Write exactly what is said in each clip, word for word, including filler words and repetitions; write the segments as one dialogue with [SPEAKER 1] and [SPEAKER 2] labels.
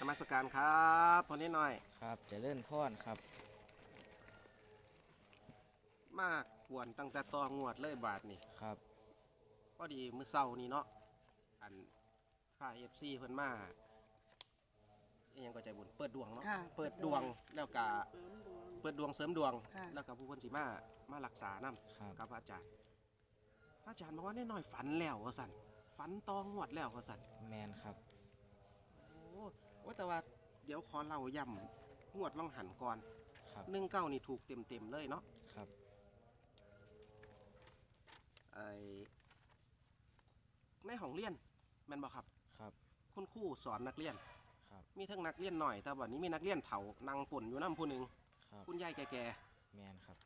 [SPEAKER 1] มัสการครับพอนิดหน่อย
[SPEAKER 2] ครับเจริญพรครับ
[SPEAKER 1] มากกวนตั้งแต่ตองวดเลยบาทนี่
[SPEAKER 2] ครับ
[SPEAKER 1] พอดีมื้อเช้านี่เนาะอันพาเอฟซีเพิ่นมาอิหยังก็ใจบุญเปิดดวงเนาะ
[SPEAKER 3] ค่ะ
[SPEAKER 1] เปิดดวงแล้วก็เปิดดวงเสริมดวง
[SPEAKER 3] ค่ะ
[SPEAKER 1] แล้วก็ผู้เพิ่นสิมามารักษานํ
[SPEAKER 2] ครับ
[SPEAKER 1] กับพระอาจารย์พระอาจารย์บอกว่านิดหน่อยฝันแล้วว่าซั่นฝันตองวดแล้วว่าซั่น
[SPEAKER 2] แมนครับ
[SPEAKER 1] โอ้โอ้แต่ว่าเดี๋ยวขอเล่าย่ำงวดวังหันก่อน
[SPEAKER 2] ครับ
[SPEAKER 1] หนึ่งเก้านี่ถูกเต็มๆเลยเนาะ
[SPEAKER 2] ครับ
[SPEAKER 1] ไอ้ในห้องเรียนแม่นบ่ครับ
[SPEAKER 2] ครับ
[SPEAKER 1] คุณครูสอนนักเรียน
[SPEAKER 2] ครับ
[SPEAKER 1] มีทั้งนักเรียนหน่อยแต่วันนี้มีนักเรียนเฒ่านั่งป่นอยู่น้ำผู้หนึ่ง
[SPEAKER 2] ครับ
[SPEAKER 1] คุณยายแก่
[SPEAKER 2] แมนครับ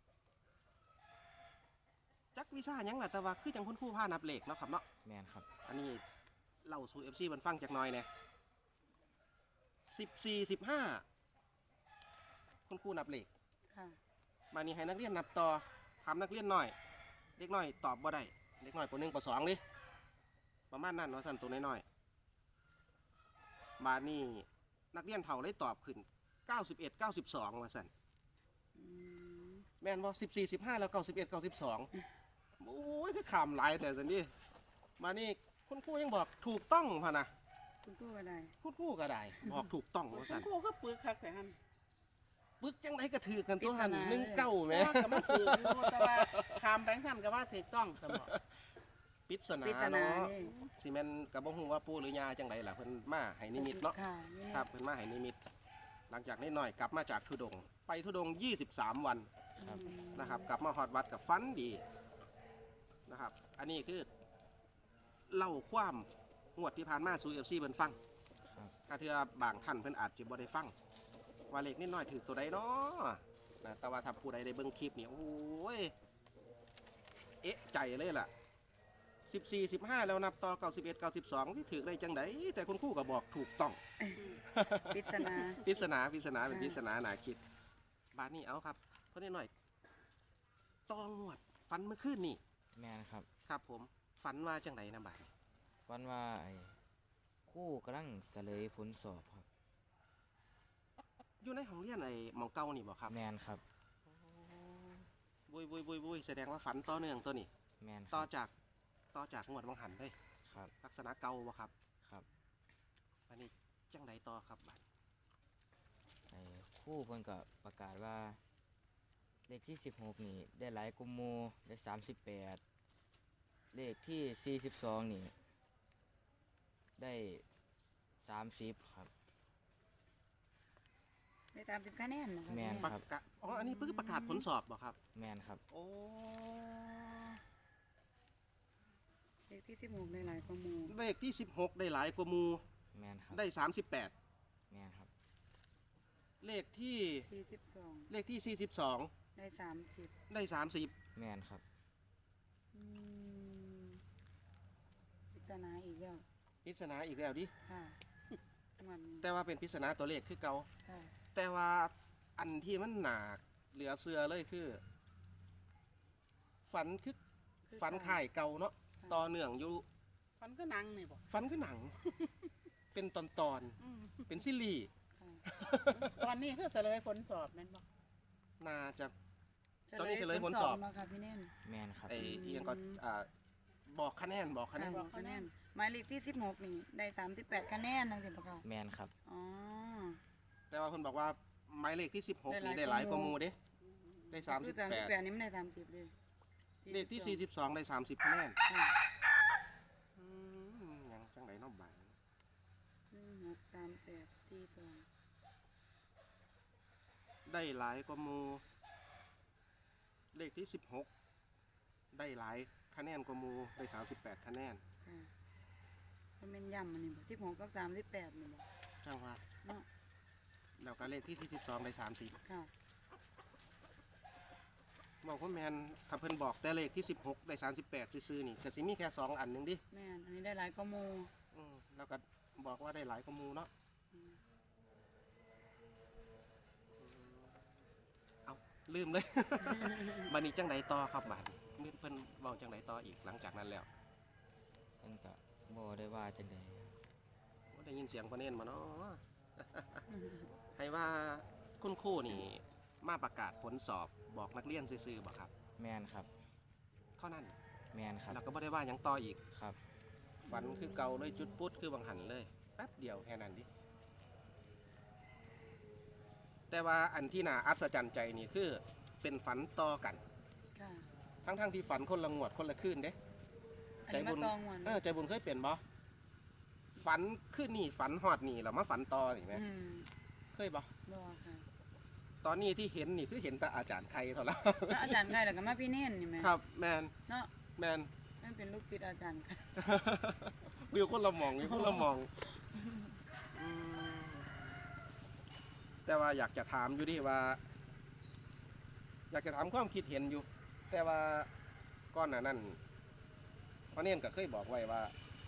[SPEAKER 1] ๆจักวิชาหยังล่ะแต่ว่าคือจังคุณครูพานับเลขเนาะครับเนาะ
[SPEAKER 2] แมนครับ
[SPEAKER 1] อันนี้เล่าสู่ เอฟ ซี มันฟังจักหน่อยเนี่ยสิบสี่สิบห้าคุณครูนับเลข
[SPEAKER 3] ค่ะ
[SPEAKER 1] มานี่ให้นักเรียนนับต่อถามนักเรียนหน่อยเด็กน้อยตอบบ่ได้เด็กน้อยปหนึ่งปสองดิประมาณนั้นว่าสั่นตัวน้อยๆบาดนี้นักเรียนเฒ่าเลยตอบขึ้นเก้าสิบเอ็ด เก้าสิบสองว่าสั่นแม่นบ่สิบสี่ สิบห้าแล้วเก้าสิบเอ็ด เก้าสิบสองโอ้ยคือขำหลายแต่สันนี่มานี่คุณครูยังบอกถูกต้องพะนะ
[SPEAKER 3] คุณครูอะไร
[SPEAKER 1] คุณครูก็ได้บอกถูกต้องว่าสั่น
[SPEAKER 4] กูก็ปึกคักแต่หัน
[SPEAKER 1] ปึกจังไดก็ถือกันตัวหันหนึ่งเก้าแหม
[SPEAKER 4] ว่าก็มาถืออยู่แต่ว่าคำแบงค์ซ้ำก็ว่าถูกต้องสมบอก
[SPEAKER 1] ปริศนา
[SPEAKER 3] ปริศนา
[SPEAKER 1] เนาะ
[SPEAKER 3] นี่
[SPEAKER 1] สิแม่นก็บ่ฮู้ว่าปู่หรือยาจังไดล่ะเพิ่นมาให้นิมิตเนาะ
[SPEAKER 3] ค่ะนี่
[SPEAKER 1] ครับเพิ่นมาให้นิมิต หลังจากนี้หน่อยกลับมาจากทุดงค์ไปทุดงค์ยี่สิบสามวัน
[SPEAKER 2] ครับ
[SPEAKER 1] นะครับ กลับมาฮอดวัดกับฟันดีนะครับ อันนี้คือเล่าความงวดที่ผ่านมาสู่ เอฟ ซี เพิ่นฟัง
[SPEAKER 2] ครับ
[SPEAKER 1] กะเทื่อบางท่านเพิ่นอาจจะบ่ได้ฟังว่าเลขนิดหน่อยถือตัวใดเนาะนะแต่ว่าถ้าผู้ใดได้เบิ่งคลิปนี่โอ้ยเอ๊ะใจเลยล่ะสิบสี่ สิบห้าแล้วนับต่อเก้าสิบเอ็ด เก้าสิบสองสิถือได้จังไดแต่คุณครูก็บอกถูกต้อง
[SPEAKER 3] ปริศนา
[SPEAKER 1] ปริศนาปริศนาเป็นปริศนาหนาคิดบาทนี้เอาครับเพื่อนหน่อยตองวดฝันเมื่อคืนนี่
[SPEAKER 2] แมนครับ
[SPEAKER 1] ครับผมฝันว่าจังไดนะบาทนี้
[SPEAKER 2] วันว่าไอ้ครู่กำลังเสลยผลสอบครับ
[SPEAKER 1] อยู่ในห้องเรียนไอ้หมองเก่านี่บ่ครับ
[SPEAKER 2] แมนครับ
[SPEAKER 1] บุยบุยบุยบุยแสดงว่าฝันต่อเนื่องตัวนี้
[SPEAKER 2] แมนค
[SPEAKER 1] ต่อ
[SPEAKER 2] รับ
[SPEAKER 1] จากต่อจากงวดวังหันเลย
[SPEAKER 2] ครับ
[SPEAKER 1] ลักษณะเก่าบ่ครับ
[SPEAKER 2] ครับ
[SPEAKER 1] อันนี้จังไดต่อครับบาด
[SPEAKER 2] ไอ้ครู่เพิ่นก็ประกาศว่า เลขที่สิบหกนี่ได้หลายกุมโมได้สามสิบแปดเลขที่สี่สิบสองนี่ได้สามสิบครับ
[SPEAKER 3] ได้ตามสิบคะแนนนะคะ
[SPEAKER 2] แม่น
[SPEAKER 1] ประ
[SPEAKER 2] ครับ
[SPEAKER 1] กาศอ๋ออันนี้เพิ่งประกาศผลสอบบ่ครับ
[SPEAKER 2] แมนครับ
[SPEAKER 1] โอ้
[SPEAKER 3] เลขที่สิบหกในหลายข้อมูล
[SPEAKER 1] เลขที่สิบหกได้หลายกว่าหมู่
[SPEAKER 2] แมนครับ
[SPEAKER 1] ได้สามสิบแปด
[SPEAKER 2] แมนครับ
[SPEAKER 1] เลขที่
[SPEAKER 3] สี่สิบสอง
[SPEAKER 1] เลขที่สี่สิบสอง
[SPEAKER 3] ได้สามสิบ
[SPEAKER 1] ได้สามสิบ
[SPEAKER 2] แมนครับ
[SPEAKER 3] อืมปริศนาอีกแล้ว
[SPEAKER 1] ปริศนาอีกแล้วดิ
[SPEAKER 3] ค่ะมันนี้
[SPEAKER 1] แต่ว่าเป็นปริศนาตัวเลขคือเก่า
[SPEAKER 3] ค่ะ
[SPEAKER 1] แต่ว่าอันที่มันหนักเหลือเสือเลยคือ ฝันคือฝันข่ายเก่าเนาะต่อเนื่องอยู่
[SPEAKER 4] ฟันก็นังนี่บอก
[SPEAKER 1] ฝันคือหนัง เป็นตอนตอนๆเป็นซีรีส์
[SPEAKER 3] ค่ะ
[SPEAKER 4] ตอนนี้คือเสลยผลสอบแม่นบอก
[SPEAKER 1] น่าจะ ตอนนี้เฉลยผลสอบ
[SPEAKER 3] มาค่ะพี่แน่น
[SPEAKER 2] แมนครับ
[SPEAKER 1] ไอ้เอียงก็อ่าบอกคะแนนบอกคะแน
[SPEAKER 3] ค่ะ
[SPEAKER 1] น
[SPEAKER 3] บอกคะแนนหมายเลขที่สิบหกนี่ได้สามสิบแปดคะแนนนั่นสิปะคะ
[SPEAKER 2] แมนครับ
[SPEAKER 3] อ๋อ
[SPEAKER 1] แต่ว่าคนบอกว่าหมายเลขที่สิบหก
[SPEAKER 3] ได้
[SPEAKER 1] นี่
[SPEAKER 3] หลาย
[SPEAKER 1] ได้หลายกว่าห
[SPEAKER 3] กว่าหมู่
[SPEAKER 1] มูเด้ได้สามสิบ
[SPEAKER 3] สาม
[SPEAKER 1] แป
[SPEAKER 3] สิบ
[SPEAKER 1] ด
[SPEAKER 3] แปดนี่ไม่ได้สามสิบเลย
[SPEAKER 1] เลขที่สี่สิบสองได้สามสิบคะแนน
[SPEAKER 3] ค่ะ
[SPEAKER 1] อืมยังจังไหนน้องบาง
[SPEAKER 3] หนึ่งหกสามแปดสี่สอง
[SPEAKER 1] ได้หลายกว่าหมูเลขที่สิบหกได้หลายคะแนนกว่าหมูได้สามสิบแปดคะแนน
[SPEAKER 3] ค่ะมันเป็นย่ำมันนี่บ่สิบหกกับสามสิบแปดนี่บ่
[SPEAKER 1] ช่างว่า
[SPEAKER 3] เนาะ
[SPEAKER 1] แล้วก็เลขที่สี่สิบสองได้สามสิบ
[SPEAKER 3] ค่ะ
[SPEAKER 1] บอกว่าแมนถ้าเพิ่นบอกแต่เลขที่สิบหกได้สามสิบแปดซื่อๆนี่ก็สิมีแค่สองอันหนึ่งดิ
[SPEAKER 3] แม่นอันนี้ได้หลายข้อมูล
[SPEAKER 1] อืมแล้วก็บอกว่าได้หลายกว่าหมูเนาะเอาลืมเลย บันนี้จังไดต่อครับบาดนี้เพิ่นบอกจังไดต่ออีกหลังจากนั้นแล้ว
[SPEAKER 2] เพิ่นก็บ่ได้ว่าจังได
[SPEAKER 1] ได้ยินเสียงพระเนนมาเนาะให้ว่าคุณครูนี่มาประกาศผลสอบบอกนักเรียนซื่อๆบ่ครับ
[SPEAKER 2] แมนครับ
[SPEAKER 1] เท่านั้น
[SPEAKER 2] แมนครับ
[SPEAKER 1] แล้วก็บ่ได้ว่าหยังต่ออีก
[SPEAKER 2] ครับ
[SPEAKER 1] ฝันคือเก่าเลยจุดปุ๊ดคือบังหันเลยแป๊บเดียวแค่นั้นดิแต่ว่าอันที่น่าอัศจรรย์ใจนี่คือเป็นฝันต่อกัน
[SPEAKER 3] ค่ะ
[SPEAKER 1] ทั้งๆที่ฝันคนละงวดคนละคืนเด้
[SPEAKER 3] อันนี้มาตองวน
[SPEAKER 1] เออใจบุญเคยเปลี่ยนบ่ฝันขึ้นนี่ฝันหอดนี่แล้วมาฝันต่อนี่ไหม
[SPEAKER 3] อืม
[SPEAKER 1] เคยบ่
[SPEAKER 3] บ่ค่ะ
[SPEAKER 1] ตอนนี้ที่เห็นนี่คือเห็นแต่อาจารย์ใครเท่านั้น
[SPEAKER 3] แล้วอาจารย์ใครแล้วก็มาพี่เน่นนี่แหม
[SPEAKER 1] ครับแมน
[SPEAKER 3] เนาะ
[SPEAKER 1] แมน
[SPEAKER 3] นั่นเป็นลูกศิษย์อาจารย์ค่ะ
[SPEAKER 1] วิวคนละหมองวิวคนละหมองอืมแต่ว่าอยากจะถามอยู่ดิว่า อยากจะถามความคิดเห็นอยู่ แต่ว่าก้อนหน้านั้นพ่อเน่นก็เคยบอกไว้ว่า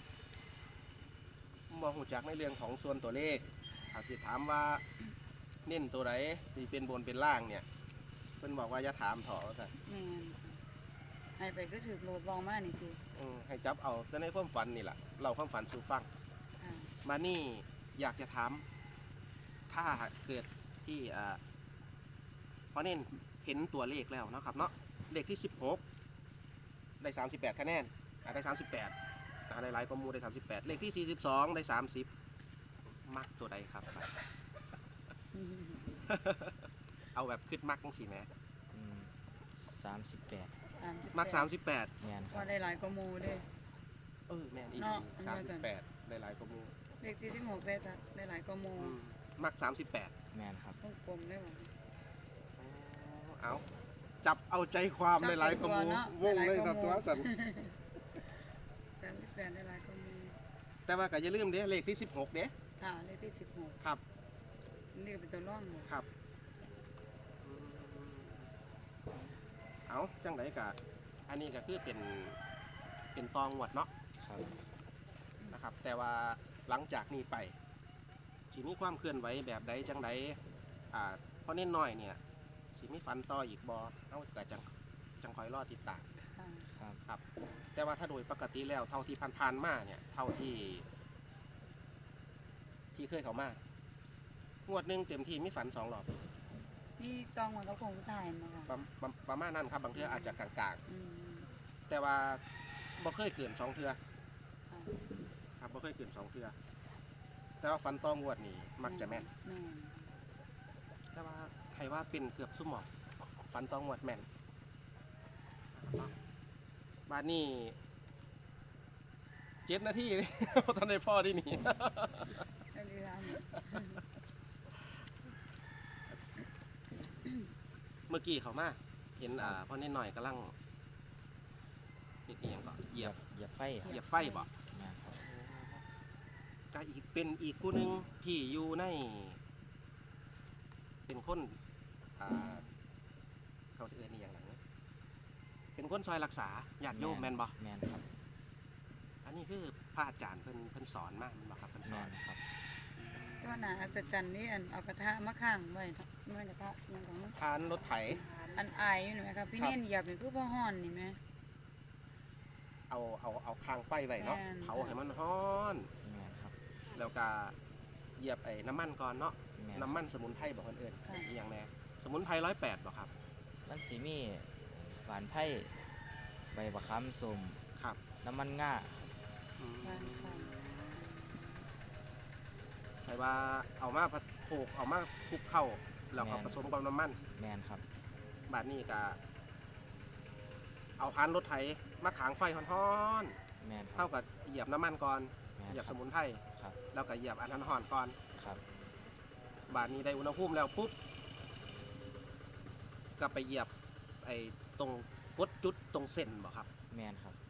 [SPEAKER 1] บ่ฮู้จักในเรื่องของส่วนตัวเลขอาจจะถามว่าเน้นตัวไหนที่เป็นบนเป็นล่างเนี่ยเพิ่นบอกว่าอย่าถามเถอะว่าซั่น
[SPEAKER 3] แม่นค่ะให้ไปก็ถือโลดบองมานี่คือ
[SPEAKER 1] อืมให้จับเอาแต่ในความฝันนี่แหละเราความฝันสู่ฟัง
[SPEAKER 3] ค่ะ
[SPEAKER 1] มานี่อยากจะถามถ้าเกิดที่อ่าพอเน้นเห็นตัวเลขแล้วเนาะครับเนาะเลขที่สิบหกได้สามสิบแปดคะแนนอ่าได้สามสิบแปดอ่าได้หลายกว่าหมูได้สามสิบแปดเลขที่สี่สิบสองได้สามสิบมักตัวใดครับ เอาแบบขึ้นมักจังสิแหม
[SPEAKER 2] สามสิบแปด
[SPEAKER 1] มักสามสิบแปด
[SPEAKER 2] แมนค
[SPEAKER 3] ก็
[SPEAKER 2] รับ
[SPEAKER 3] ได้หลายกว่าหมู่เด้
[SPEAKER 1] เออแม่นอีก
[SPEAKER 3] เนาะ
[SPEAKER 1] สามสิบแปดได้หลายกว่าหมู
[SPEAKER 3] เลขที่สิบหกได้ตัดได้หลายกว่าหมู่
[SPEAKER 1] อืมมักสามสิบแปด
[SPEAKER 2] แมนครับ
[SPEAKER 3] วงกลมได้บ่
[SPEAKER 1] เอาจับเอาใจความในหลายกว่าหมูวงเลยครับตัวสัน
[SPEAKER 3] สามสิบแปดได้หลายกว่าหมู่
[SPEAKER 1] แต่ว่าก็อย่าลืมเด้เลขที่สิบหกเด้
[SPEAKER 3] ค่ะเลขที่สิบหก
[SPEAKER 1] ครับ
[SPEAKER 3] นี่ก็เป็นตัวร่องหมด
[SPEAKER 1] ครับเอาจังไดกะอันนี้ก็คือเป็นเป็นตองหวดเนาะ
[SPEAKER 2] ครับ
[SPEAKER 1] นะครับ แต่ว่าหลังจากนี้ไปสิมีความเคลื่อนไหวแบบใดจังไดอ่าเพราะเน้นน้อยเนี่ยสิมีฟันต่ออีกบอเอาก็จังจังคอยรอติดตาม
[SPEAKER 3] ค่ะ
[SPEAKER 2] ครับ
[SPEAKER 1] ครับ แต่ว่าถ้าโดยปกติแล้วเท่าที่ผ่านๆมาเนี่ยเท่าที่ ที่เคยเขามางวดหนึ่งเต็มที่มีฝันสองรอบ
[SPEAKER 3] นี่ตองหมดเขาคงถ่ายมาค่ะ
[SPEAKER 1] ประประประมาณนั้นครับบางเทื่ออาจจะกลาง
[SPEAKER 3] อืม
[SPEAKER 1] ๆ แต่ว่าบ่เคยเกินสองเทื่อ
[SPEAKER 3] ค่ะ
[SPEAKER 1] ครับบ่เคยเกินสองเทื่อแต่ว่าฝันตองวดนี่มักจะแม่น
[SPEAKER 3] แม่น
[SPEAKER 1] แต่ว่าใครว่าเป็นเกือบสุ่มหมอกฝันตองวดแม่นบ้านนี้เจ็ดนาทีนี่ ตอนในพ่อที่นี่
[SPEAKER 3] ได้เวลาหมด
[SPEAKER 1] เมื่อกี้เขามาเห็นอ่าพ่อนิดหน่อยกำลังเฮ็ดอีหยังก็เหยียบ
[SPEAKER 2] เหยียบไฟค
[SPEAKER 1] เหยี
[SPEAKER 2] รับ
[SPEAKER 1] ยบไฟบ่
[SPEAKER 2] แมนครับ
[SPEAKER 1] ก็อีกเป็นอีกกูหนึงที่อยู่ใน เป็นคนอ่าเขาสิเอิ้นอีหยังหลังนะเป็นคนซอยรักษาญาติโยมแม่นบ่
[SPEAKER 2] แมนครับ
[SPEAKER 1] อันนี้คือพระอาจารย์เพิ่นเพิ่นสอนมาแม่นบ่ครับเพิ่น
[SPEAKER 2] แม
[SPEAKER 1] สอน
[SPEAKER 2] นครับ
[SPEAKER 3] ก็น่าอัศจรรย์นี่อันเอากระทะมาข้างไว้เมื่อกระทะมันของ
[SPEAKER 1] ทานรถไถ
[SPEAKER 3] อันอายอยู่นี่ไหมครับพี่
[SPEAKER 1] ครับ
[SPEAKER 3] เน่นเหยียบนี่คือพ่อห่อนนี่ไหม
[SPEAKER 1] เอาเอาเอาคางไฟไว้เนาะ
[SPEAKER 3] แม่น
[SPEAKER 1] เผาให้มันร้อน
[SPEAKER 2] แมนครับ
[SPEAKER 1] แล้วก็เหยียบไอ้น้ำมันก่อนเนาะ
[SPEAKER 2] แมน
[SPEAKER 1] น้ำมันสมุนไพรบอกคนอื่น
[SPEAKER 3] ค่ะ
[SPEAKER 1] อีหยังแน่สมุนไพรร้อยแปดบอกครับ
[SPEAKER 2] มันสีมีหวานไผ่ใบบักคำส้ม
[SPEAKER 1] ครับ
[SPEAKER 2] น้ำมันง่า
[SPEAKER 1] อืม
[SPEAKER 3] บ้านไฟ
[SPEAKER 1] ใครว่าเอามาผัดโขกเอามาคลุกเข้าแล้วก็ผสมกับน้ำมัน
[SPEAKER 2] แมนครับ
[SPEAKER 1] บาดนี้ก็เอาพานรถไถมาขางไฟฮ้อน
[SPEAKER 2] แมน
[SPEAKER 1] ๆ
[SPEAKER 2] ครั
[SPEAKER 1] เท่า
[SPEAKER 2] บ
[SPEAKER 1] กับเหยียบน้ำมันก่อน
[SPEAKER 2] แมน
[SPEAKER 1] เหยียบ
[SPEAKER 2] ค
[SPEAKER 1] ส
[SPEAKER 2] รับ
[SPEAKER 1] มุนไพร
[SPEAKER 2] ครับ
[SPEAKER 1] แล้วก็เหยียบอันนั้นห่อนก่อน
[SPEAKER 2] ครับ
[SPEAKER 1] บาดนี้ได้อุณหภูมิแล้วปุ๊บก็ไปเหยียบไอ้ตรงกดจุดตรงเส้นบ่ครับ
[SPEAKER 2] แมนครับ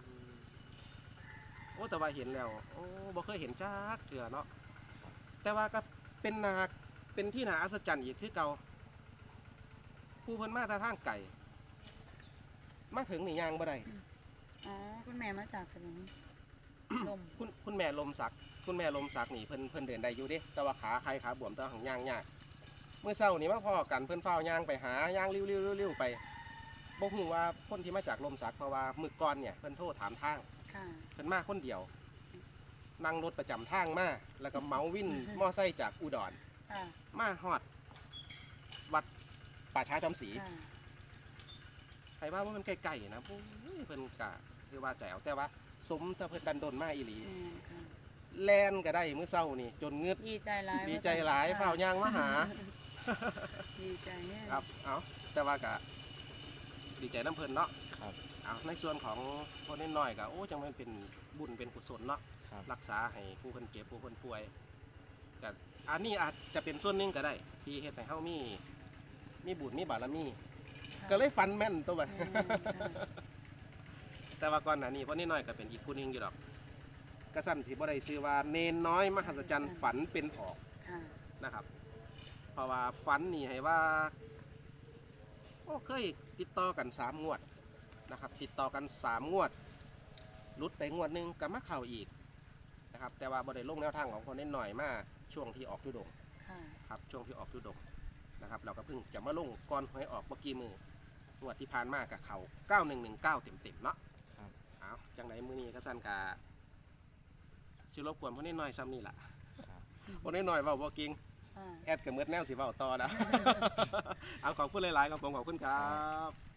[SPEAKER 1] โอ้แต่ว่าเห็นแล้วโอ้บ่เคยเห็นจักเถื่อเนาะแต่ว่าก็เป็นนาเป็นที่น่าอัศจรรย์อีกคือเก่าผู้เพิ่นมาแตาทางไก่มาถึงนี่ยางบ่ได้
[SPEAKER 3] อ๋อคุณแม่มาจากถนน ลม
[SPEAKER 1] คุณคุณแม่ลมสักคุณแม่ลมสักนี่เพิ่นเพิ่นเดินได้อยู่เด้แต่ว่าขาใครขาบวมแต่ว่าหังย่างยากเมื่อเช้านี่มาพ่อกันเพิ่นเฝ้าย่างไปหาย่างริ้วๆๆๆไปบ่ฮู้ว่าคนที่มาจากลมสักเพราะว่ามื้อก่อนเนี่ยเพิ่นโทรถามทาง
[SPEAKER 3] ค่ะ
[SPEAKER 1] เพิ่นมาคนเดียวนั่งรถประจำทางมาแล้วก็เหมาวินมอไซค์จากอุดร
[SPEAKER 3] ค่ะ
[SPEAKER 1] มาฮอดวัดป่าช้าจอมศรี
[SPEAKER 3] ค่ะ
[SPEAKER 1] ใครว่าว่ามันไกลๆนะโอ้ยเพิ่นกะคือว่าแจ๋วแต่ว่าสมถ้าเพิ่นดันดนมาอีหลี
[SPEAKER 3] แม่นค่ะ
[SPEAKER 1] แลนก็ได้มื้อเช้านี่จนงึด
[SPEAKER 3] ดีใจหลาย
[SPEAKER 1] ดีใจหลายเฝ้าย่างมาหา
[SPEAKER 3] ดีใจเนี่ย
[SPEAKER 1] ครับเอาแต่ว่าก็ดีใจน้ำเพิ่นเนาะ
[SPEAKER 2] ครับ
[SPEAKER 1] เอาในส่วนของคนน้อยๆก็โอ้จังมันเป็นบุญเป็นกุศลเนาะ
[SPEAKER 2] ครับ
[SPEAKER 1] รักษาให้ผู้คนเจ็บผู้คนป่วยก็อันนี้อาจจะเป็นส่วนหนึงก็ได้ ที่เฮ็ดให้เฮามีมีบุญมีบารมี ก็เลยฟันแม่นตัวบัด
[SPEAKER 3] แม่นค่ะ
[SPEAKER 1] แต่ว่าก่อนหน้านี้พ่อน้อยก็เป็นอีกผู้หนึงอยู่ดอกกระสั่นที่บ่ได้ชื่อว่าเนนน้อยมหัศจรรย์ฝันเป็นออก
[SPEAKER 3] ค่ะ
[SPEAKER 1] นะครับ เพราะว่าฝันนี่ให้ว่าโอ้เคยติดต่อกันสามงวดนะครับ ติดต่อกันสามงวดหลุดไปงวดหนึงก็มาเข้าอีกนะครับ แต่ว่าบ่ได้ลงแนวทางของคนน้อยมาช่วงที่ออกทุดงค์
[SPEAKER 3] ค่ะ
[SPEAKER 1] ครับช่วงที่ออกทุดงค์นะครับ เราก็เพิ่งจะมาลงก่อนหวยออกเมื่อกี้มืองวดที่ผ่านมากับเขาเก้าหนึ่งหนึ่งเก้าเต็มๆเนาะ
[SPEAKER 2] ครับ
[SPEAKER 1] เอาจังไรมื้อนี้ก็สั้นกาสิรบกวนพ่อน้อยๆซ้ำนี่ล่ะ
[SPEAKER 2] ครับ
[SPEAKER 1] พ่อน้อยๆเว้าบ่เก่ง
[SPEAKER 3] ค่ะ
[SPEAKER 1] แอดกับเมือดแนวสิเว้าต่อนะ เอาขอบคุณหลายๆครับผมขอบคุณครับ